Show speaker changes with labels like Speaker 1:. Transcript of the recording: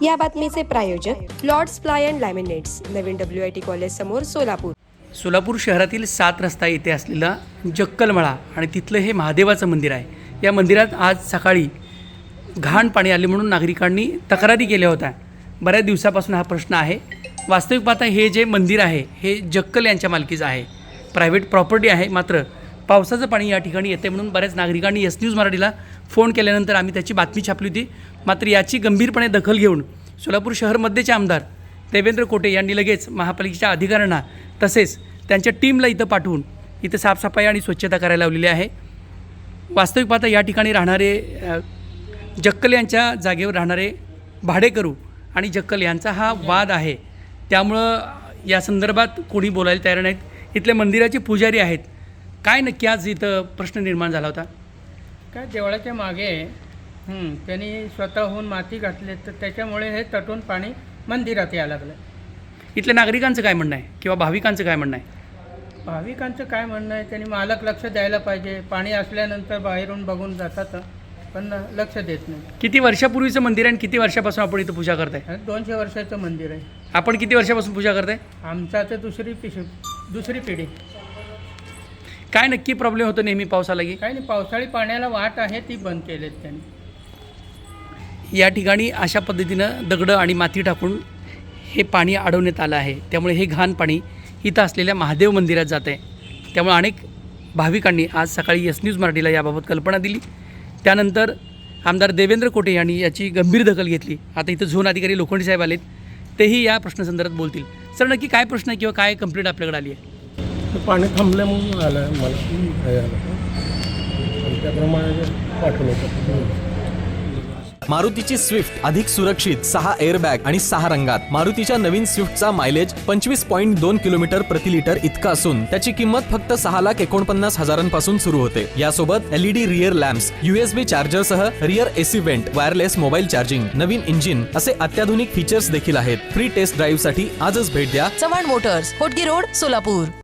Speaker 1: या बातमीचे प्रायोजक लॉर्ड्स प्लाय अँड लॅमिनेट्स, नवीन WIT कॉलेज समोर, सोलापूर.
Speaker 2: सोलापूर शहरातील 7 रस्ता येथे असलेला जक्कलमळा आणि तिथलं हे महादेवाचं मंदिर आहे. या मंदिरात आज सकाळी घाण पाणी आले म्हणून नागरिकांनी तक्रारी केल्या होत्या. बऱ्याच दिवसापासून हा प्रश्न आहे. वास्तविक पाहता हे जे मंदिर आहे हे जक्कल यांच्या मालकीचं आहे, प्रायव्हेट प्रॉपर्टी आहे. मात्र पावसाचं पाणी या ठिकाणी येते म्हणून बऱ्याच नागरिकांनी S न्यूज मराठीला फोन केल्यानंतर आम्ही त्याची बातमी छापली होती. मात्र याची गंभीरपणे दखल घेऊन सोलापूर शहर मध्येचे आमदार देवेंद्र कोटे यांनी लगेच महापालिकेच्या अधिकाऱ्यांना तसेच त्यांच्या टीमला इथं पाठवून इथं साफसफाई आणि स्वच्छता करायला लावलेली आहे. वास्तविक पाहता या ठिकाणी राहणारे जक्कल यांच्या जागेवर राहणारे भाडेकरू आणि जक्कल यांचा हा वाद आहे. त्यामुळं या संदर्भात कोणी बोलायला तयार नाहीत. इथले मंदिराचे पुजारी आहेत. काय नक्की आज इथं प्रश्न निर्माण झाला होता?
Speaker 3: काय देवळाच्या मागे त्यांनी स्वतःहून माती घातली, तर त्याच्यामुळे हे तटून पाणी मंदिरात यायला लागलं.
Speaker 2: इथल्या नागरिकांचं काय म्हणणं आहे किंवा भाविकांचं काय म्हणणं आहे?
Speaker 3: भाविकांचं काय म्हणणं आहे, त्यांनी मालक लक्ष द्यायला पाहिजे. पाणी असल्यानंतर बाहेरून बघून जातात पण लक्ष देत नाही.
Speaker 2: किती वर्षापूर्वीचं मंदिर आहे आणि किती वर्षापासून आपण इथं पूजा करताय?
Speaker 3: 200 वर्षाचं मंदिर आहे.
Speaker 2: आपण किती वर्षापासून पूजा करताय?
Speaker 3: आमचा तर दुसरी पिढी.
Speaker 2: काय नक्की प्रॉब्लेम होतो नेहमी पाऊस आला की?
Speaker 3: काही नाही, पावसाळी पाण्याला वाट आहे ती बंद केलीत त्यांनी.
Speaker 2: या ठिकाणी अशा पद्धतीनं दगडं आणि माती टाकून हे पाणी अडवण्यात आलं आहे. त्यामुळे हे घाण पाणी इथं असलेल्या महादेव मंदिरात जात आहे. त्यामुळे अनेक भाविकांनी आज सकाळी S न्यूज मराठीला याबाबत कल्पना दिली. त्यानंतर आमदार देवेंद्र कोटे यांनी याची गंभीर दखल घेतली. आता इथं झोन अधिकारी लोखंडे साहेब आलेत, तेही या प्रश्नासंदर्भात बोलतील. सर, नक्की काय प्रश्न आहे किंवा काय कंप्लेंट आपल्याकडे आली आहे?
Speaker 4: पाणी थांबलं म्हणून आलं आहे मला आणि त्याप्रमाणे पाठवलं.
Speaker 5: मारुतीची स्विफ्ट अधिक सुरक्षित, 6 एअरबॅग आणि 6 रंगात. मारुतीच्या नवीन स्विफ्टचा मायलेज 25.2 किलोमीटर प्रति लिटर इतका असून त्याची किंमत फक्त 6,49,000 सुरू होते. यासोबत LED रिअर लॅम्प्स, USB चार्जरसह rear AC vent, wireless mobile charging, नवीन इंजिन असे अत्याधुनिक फीचर्स देखील आहेत. फ्री टेस्ट ड्राईव्ह साठी आजच भेट द्या
Speaker 6: चव्हाण मोटर्स, होटगी रोड, सोलापूर.